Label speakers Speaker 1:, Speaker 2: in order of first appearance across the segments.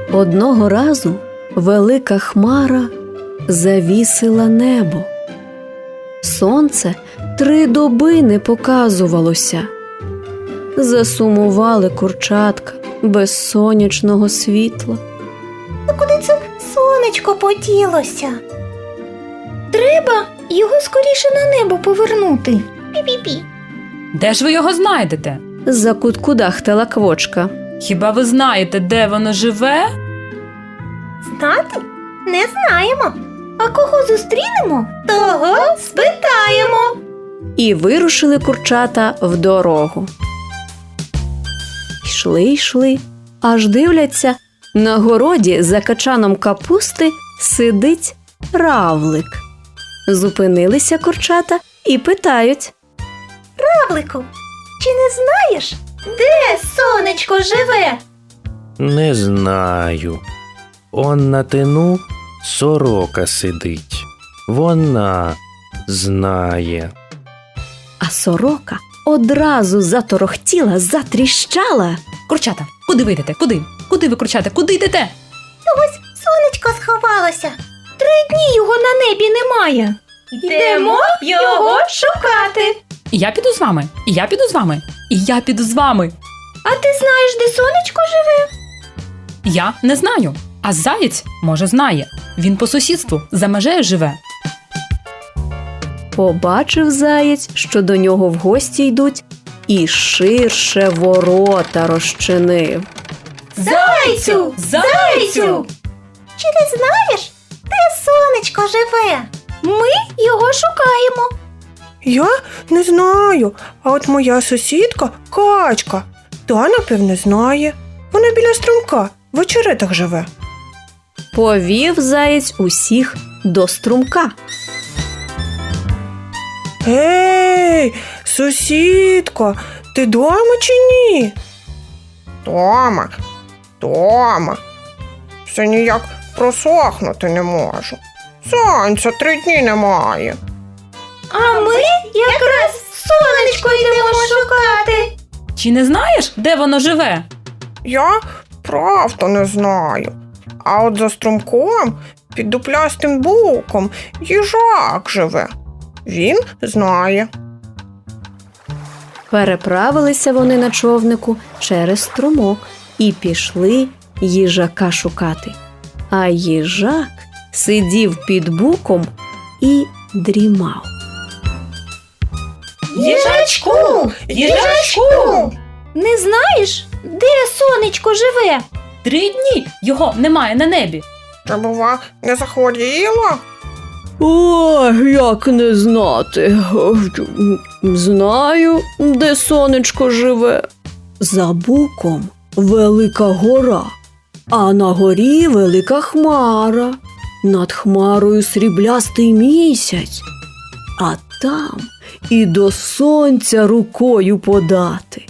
Speaker 1: Одного разу велика хмара завісила небо. Сонце 3 доби не показувалося. Засумували курчатка без сонячного світла.
Speaker 2: А куди це сонечко поділося? Треба його скоріше на небо повернути. Пі-пі-пі.
Speaker 3: Де ж ви його знайдете?
Speaker 1: Закуткудахтала Квочка.
Speaker 3: Хіба ви знаєте, де воно живе?
Speaker 2: Знати? Не знаємо. А кого зустрінемо, того спитаємо.
Speaker 1: І вирушили курчата в дорогу. Йшли, аж дивляться, на городі за качаном капусти сидить равлик. Зупинилися курчата і питають:
Speaker 2: Равлику, чи не знаєш, де сонечко живе?
Speaker 4: Не знаю. Он на тину сорока сидить. Вона знає.
Speaker 1: А сорока одразу заторохтіла, затріщала.
Speaker 3: Курчата, куди ви йдете? Куди? Куди ви, курчата? Куди йдете?
Speaker 2: Ось сонечко сховалося. 3 дні його на небі немає. Йдемо його шукати.
Speaker 3: І я піду з вами, і я піду з вами, і я піду з вами.
Speaker 2: А ти знаєш, де сонечко живе?
Speaker 3: Я не знаю, а заєць, може, знає. Він по сусідству за межею живе.
Speaker 1: Побачив заєць, що до нього в гості йдуть, і ширше ворота розчинив.
Speaker 2: Зайцю! Зайцю! Чи ти знаєш, де сонечко живе? Ми його шукаємо.
Speaker 5: Я не знаю, а от моя сусідка Качка, та, напевне, знає. Вона біля струмка, в очеретах живе.
Speaker 1: Повів заєць усіх до струмка.
Speaker 5: Ей, сусідко, ти дома чи ні? Дома. Все ніяк просохнути не можу. Сонця 3 дні немає.
Speaker 2: А ми якраз сонечко йдемо шукати.
Speaker 3: Чи не знаєш, де воно живе?
Speaker 5: Я правда не знаю. А от за струмком, під дуплястим буком, їжак живе. Він знає.
Speaker 1: Переправилися вони на човнику через струмок і пішли їжака шукати. А їжак сидів під буком і дрімав.
Speaker 2: Їжачку! Не знаєш, де сонечко живе?
Speaker 3: 3 дні його немає на небі.
Speaker 5: Та, бува, не захворіла?
Speaker 1: Ой, як не знати. Знаю, де сонечко живе. За буком велика гора, а на горі велика хмара. Над хмарою сріблястий місяць, а там і до сонця рукою подати.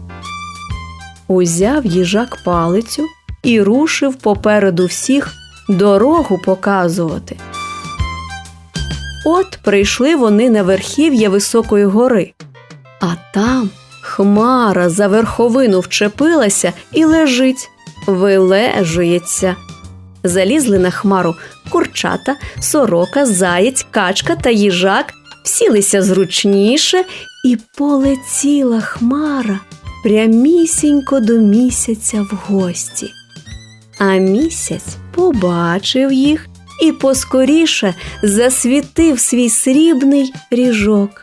Speaker 1: Узяв їжак палицю і рушив попереду всіх дорогу показувати. От прийшли вони на верхів'я високої гори, а там хмара за верховину вчепилася і лежить, вилежується. Залізли на хмару курчата, сорока, заєць, качка та їжак, сілися зручніше, і полетіла хмара прямісінько до місяця в гості. А місяць побачив їх і поскоріше засвітив свій срібний ріжок.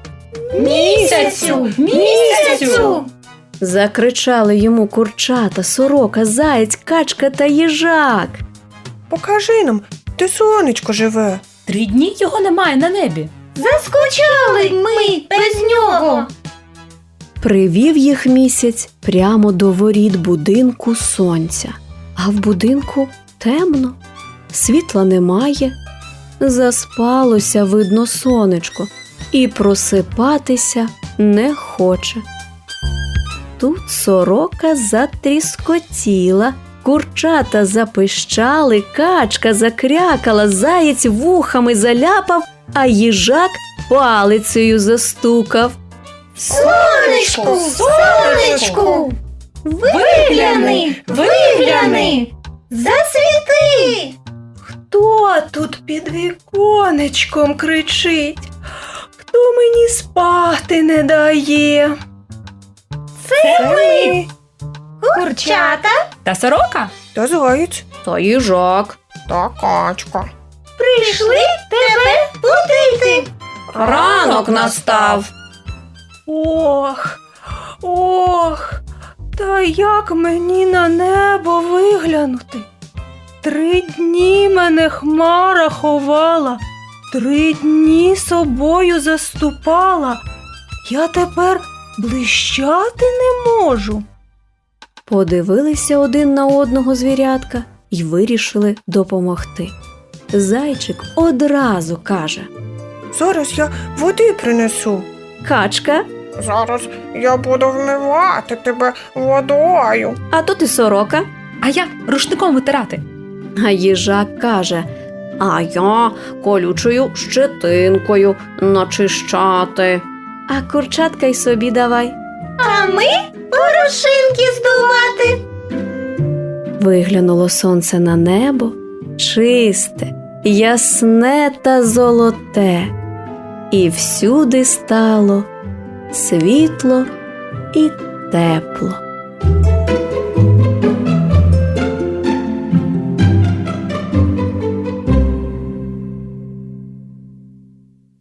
Speaker 2: Місяцю!
Speaker 1: Закричали йому курчата, сорока, заєць, качка та їжак.
Speaker 5: Покажи нам, де сонечко живе.
Speaker 3: 3 дні його немає на небі.
Speaker 2: Заскучали ми без нього.
Speaker 1: Привів їх місяць прямо до воріт будинку сонця. А в будинку темно, світла немає. Заспалося, видно, сонечко, і просипатися не хоче. Тут сорока затріскотіла, курчата запищали, качка закрякала, заєць вухами заляпав, а їжак палицею застукав.
Speaker 2: Сонечку! Вигляни! Засвіти!
Speaker 5: Хто тут під віконечком кричить? Хто мені спати не дає? Це ми.
Speaker 2: Курчата
Speaker 3: Та сорока?
Speaker 5: Та заєць,
Speaker 1: Та їжак.
Speaker 5: та качка.
Speaker 2: прийшли тебе будити.
Speaker 1: Ранок настав.
Speaker 5: Ох, та як мені на небо виглянути? 3 дні мене хмара ховала, 3 дні собою заступала. Я тепер блищати не можу.
Speaker 1: Подивилися один на одного звірятка й вирішили допомогти. Зайчик одразу каже:
Speaker 5: Зараз я води принесу.
Speaker 1: Качка,
Speaker 5: Зараз я буду вмивати тебе водою.
Speaker 1: а то ти сорока.
Speaker 3: А я рушником витирати.
Speaker 1: А їжак каже: а я колючою щетинкою начищати. А курчатка й собі давай.
Speaker 2: А ми порошинки здувати.
Speaker 1: Виглянуло сонце на небо, чисте, ясне та золоте, і всюди стало світло і тепло.